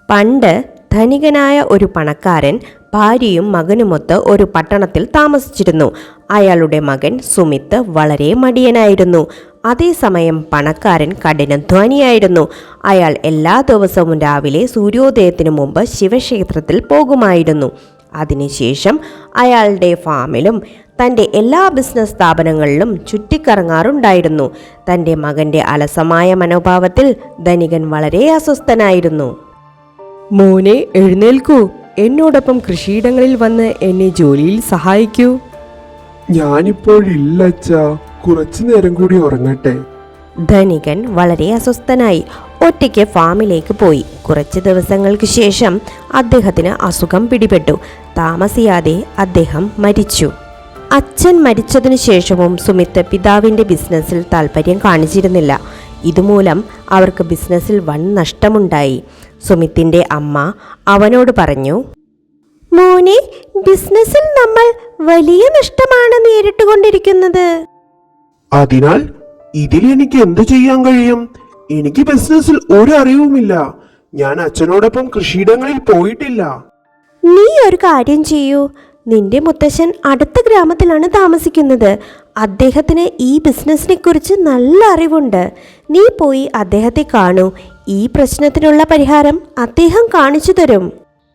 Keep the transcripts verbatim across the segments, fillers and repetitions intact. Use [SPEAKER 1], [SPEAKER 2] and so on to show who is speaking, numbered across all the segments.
[SPEAKER 1] പണ്ട് ധനികനായ ഒരു പണക്കാരൻ ഭാര്യയും മകനുമൊത്ത് ഒരു പട്ടണത്തിൽ താമസിച്ചിരുന്നു. അയാളുടെ മകൻ സുമിത്ത് വളരെ മടിയനായിരുന്നു. അതേസമയം പണക്കാരൻ കഠിനാധ്വാനിയായിരുന്നു. അയാൾ എല്ലാ ദിവസവും രാവിലെ സൂര്യോദയത്തിനു മുമ്പ് ശിവക്ഷേത്രത്തിൽ പോകുമായിരുന്നു. അതിനുശേഷം അയാളുടെ ഫാമിലും തൻ്റെ എല്ലാ ബിസിനസ് സ്ഥാപനങ്ങളിലും ചുറ്റിക്കറങ്ങാറുണ്ടായിരുന്നു. തൻ്റെ മകൻ്റെ അലസമായ മനോഭാവത്തിൽ ധനികൻ വളരെ അസ്വസ്ഥനായിരുന്നു.
[SPEAKER 2] മോനെ, എഴുന്നേൽക്കൂ, എന്നോടൊപ്പം കൃഷിയിടങ്ങളിൽ വന്ന് എന്നെ ജോലിയിൽ സഹായിക്കൂ.
[SPEAKER 3] ഞാനിപ്പോഴില്ല അച്ഛാ, കുറച്ചു നേരം കൂടി ഉറങ്ങട്ടെ.
[SPEAKER 1] ധനികൻ വളരെ അസ്വസ്ഥനായി ഒറ്റയ്ക്ക് ഫാമിലേക്ക് പോയി. കുറച്ച് ദിവസങ്ങൾക്ക് ശേഷം അദ്ദേഹത്തിന് അസുഖം പിടിപെട്ടു. താമസിയാതെ അദ്ദേഹം മരിച്ചു. അച്ഛൻ മരിച്ചതിനു ശേഷവും സുമിത്ത് പിതാവിൻ്റെ ബിസിനസ്സിൽ താല്പര്യം കാണിച്ചിരുന്നില്ല. ഇതുമൂലം അവർക്ക് ബിസിനസ്സിൽ വൻ നഷ്ടമുണ്ടായി. സുമിത്തിൻ്റെ അമ്മ അവനോട് പറഞ്ഞു, മോനെ, ബിസിനസ്സിൽ നമ്മൾ വലിയ നഷ്ടമാണ് നേരിട്ടുകൊണ്ടിരിക്കുന്നത്.
[SPEAKER 3] അതിനാൽ ഇതിൽ എനിക്ക് എന്ത് ചെയ്യാൻ കഴിയും? എനിക്ക് ബിസിനസ്സിൽ ഒരു അറിവുമില്ല. ഞാൻ അച്ഛനോടൊപ്പം കൃഷിയിടങ്ങളിൽ പോയിട്ടില്ല.
[SPEAKER 1] നീ ഒരു കാര്യം ചെയ്യൂ. നിന്റെ മുത്തശ്ശൻ അടുത്ത ഗ്രാമത്തിലാണ് താമസിക്കുന്നത്. അദ്ദേഹത്തിന് ഈ ബിസിനസ്സിനെ കുറിച്ച് നല്ല അറിവുണ്ട്. നീ പോയി അദ്ദേഹത്തെ കാണൂ. ഈ പ്രശ്നത്തിനുള്ള പരിഹാരം അദ്ദേഹം കാണിച്ചു തരും.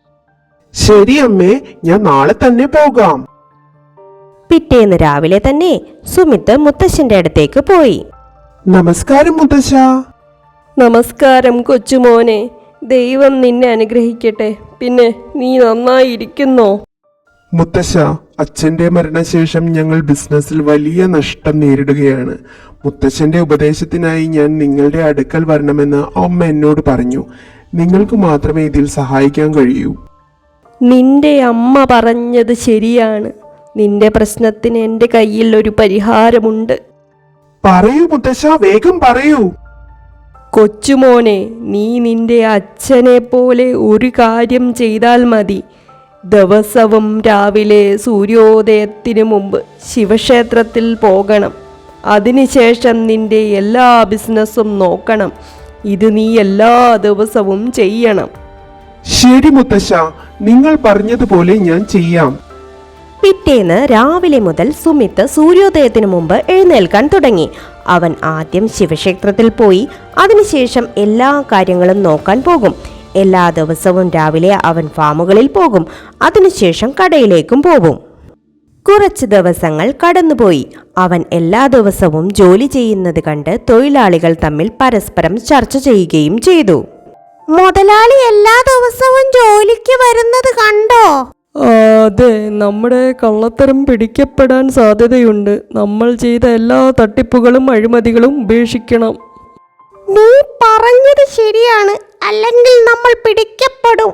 [SPEAKER 3] ശരി അമ്മേ, ഞാൻ നാളെ തന്നെ പോകാം.
[SPEAKER 1] പിറ്റേന്ന് രാവിലെ തന്നെ സുമിത്ത് മുത്തശ്ശന്റെ അടുത്തേക്ക് പോയി.
[SPEAKER 3] നമസ്കാരം മുത്തശ്ശ.
[SPEAKER 2] നമസ്കാരം കൊച്ചുമോനെ, ദൈവം നിന്നെ അനുഗ്രഹിക്കട്ടെ. പിന്നെ നീ നന്നായിരിക്കുന്നോ?
[SPEAKER 3] മുത്തശ്ശ, അച്ഛന്റെ മരണശേഷം ഞങ്ങൾ ബിസിനസ്സിൽ വലിയ നഷ്ടം നേരിടുകയാണ്. മുത്തശ്ശന്റെ ഉപദേശത്തിനായി ഞാൻ നിങ്ങളുടെ അടുക്കൽ വരണമെന്ന് അമ്മ എന്നോട് പറഞ്ഞു. നിങ്ങൾക്ക് മാത്രമേ ഇതിൽ സഹായിക്കാൻ കഴിയൂ.
[SPEAKER 2] നിന്റെ അമ്മ പറഞ്ഞത് ശരിയാണ്. നിന്റെ പ്രശ്നത്തിന് എൻ്റെ കയ്യിൽ ഒരു പരിഹാരമുണ്ട്.
[SPEAKER 3] പറയൂ മുത്തശ്ശ, വേഗം പറയൂ.
[SPEAKER 2] കൊച്ചുമോനെ, നീ നിന്റെ അച്ഛനെ പോലെ ഒരു കാര്യം ചെയ്താൽ മതി. ദിവസവും രാവിലെ സൂര്യോദയത്തിനു മുമ്പ് ശിവക്ഷേത്രത്തിൽ പോകണം. അതിനുശേഷം നിന്റെ എല്ലാ ബിസിനസ്സും നോക്കണം. ഇത് നീ എല്ലാ ദിവസവും ചെയ്യണം.
[SPEAKER 3] ശരി മുത്തശ്ശ, നിങ്ങൾ പറഞ്ഞതുപോലെ ഞാൻ ചെയ്യാം.
[SPEAKER 1] പിറ്റേന്ന് രാവിലെ മുതൽ സുമിത്ത് സൂര്യോദയത്തിനു മുമ്പ് എഴുന്നേൽക്കാൻ തുടങ്ങി. അവൻ ആദ്യം ശിവക്ഷേത്രത്തിൽ പോയി അതിനുശേഷം എല്ലാ കാര്യങ്ങളും നോക്കാൻ പോകും. എല്ലാ ദിവസവും രാവിലെ അവൻ ഫാമുകളിൽ പോകും. അതിനുശേഷം കടയിലേക്കും പോകും. കുറച്ച് ദിവസങ്ങൾ കടന്നുപോയി. അവൻ എല്ലാ ദിവസവും ജോലി ചെയ്യുന്നത് കണ്ട് തൊഴിലാളികൾ തമ്മിൽ പരസ്പരം ചർച്ച ചെയ്യുകയും ചെയ്തു. മുതലാളി എല്ലാ ദിവസവും ജോലിക്ക് വരുന്നത് കണ്ടോ?
[SPEAKER 2] അതെ, നമ്മുടെ കള്ളത്തരം പിടിക്കപ്പെടാൻ സാധ്യതയുണ്ട്. നമ്മൾ ചെയ്ത എല്ലാ തട്ടിപ്പുകളും അഴിമതികളും ഉപേക്ഷിക്കണം.
[SPEAKER 1] നീ പറഞ്ഞത് ശരിയാണ്, അല്ലെങ്കിൽ നമ്മൾ പിടിക്കപ്പെടും.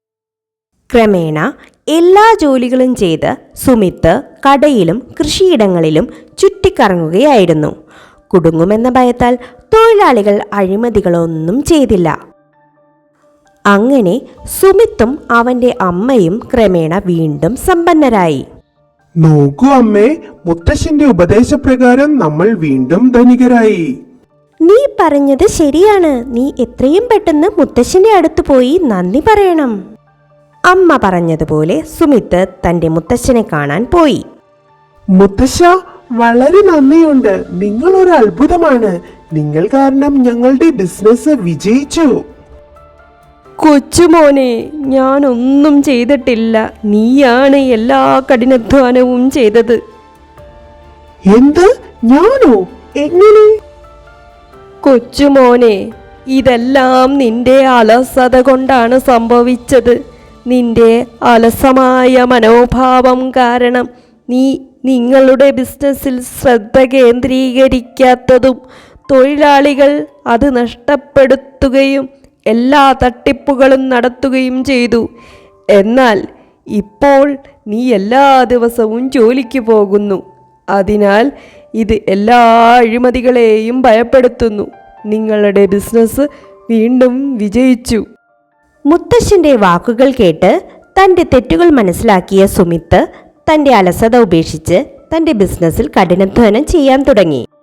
[SPEAKER 1] ക്രമേണ എല്ലാ ജോലികളും ചെയ്ത് സുമിത്ത് കടയിലും കൃഷിയിടങ്ങളിലും ചുറ്റിക്കറങ്ങുകയായിരുന്നു. കുടുങ്ങുമെന്ന ഭയത്താൽ തൊഴിലാളികൾ അഴിമതികളൊന്നും ചെയ്തില്ല. അങ്ങനെ സുമിത്തും അവന്റെ അമ്മയും ക്രമേണ വീണ്ടും സമ്പന്നരായി.
[SPEAKER 3] നോക്കൂ അമ്മേ, മുത്തശ്ശന്റെ ഉപദേശപ്രകാരം നമ്മൾ വീണ്ടും ധനികരായി.
[SPEAKER 1] നീ പറഞ്ഞത് ശരിയാണ്. നീ എത്രയും പെട്ടെന്ന് മുത്തശ്ശന്റെ അടുത്ത് പോയി നന്ദി പറയണം. അമ്മ പറഞ്ഞതുപോലെ സുമിത്ത് തന്റെ മുത്തശ്ശനെ കാണാൻ പോയി.
[SPEAKER 3] മുത്തശ്ശ, വളരെ നന്ദിയുണ്ട്. നിങ്ങൾ ഒരു അത്ഭുതമാണ്. നിങ്ങൾ കാരണം ഞങ്ങളുടെ ബിസിനസ് വിജയിച്ചു.
[SPEAKER 2] കൊച്ചുമോനെ, ഞാനൊന്നും ചെയ്തിട്ടില്ല. നീയാണ് എല്ലാ കഠിനാധ്വാനവും ചെയ്തത്.
[SPEAKER 3] എന്ത്? ഞാനോ? എങ്ങനെ?
[SPEAKER 2] കൊച്ചുമോനെ, ഇതെല്ലാം നിന്റെ അലസത കൊണ്ടാണ് സംഭവിച്ചത്. നിന്റെ അലസമായ മനോഭാവം കാരണം നീ നിങ്ങളുടെ ബിസിനസ്സിൽ ശ്രദ്ധ കേന്ദ്രീകരിക്കാത്തതും തൊഴിലാളികൾ അത് നഷ്ടപ്പെടുത്തുകയും എല്ലാ തട്ടിപ്പുകളും നടത്തുകയും ചെയ്തു. എന്നാൽ ഇപ്പോൾ നീ എല്ലാ ദിവസവും ജോലിക്ക് പോകുന്നു. അതിനാൽ ഇത് എല്ലാ അഴിമതികളെയും ഭയപ്പെടുത്തുന്നു. നിങ്ങളുടെ ബിസിനസ് വീണ്ടും വിജയിച്ചു.
[SPEAKER 1] മുത്തശ്ശന്റെ വാക്കുകൾ കേട്ട് തന്റെ തെറ്റുകൾ മനസ്സിലാക്കിയ സുമിത്ത് തന്റെ അലസത ഉപേക്ഷിച്ച് തന്റെ ബിസിനസ്സിൽ കഠിനാധ്വാനം ചെയ്യാൻ തുടങ്ങി.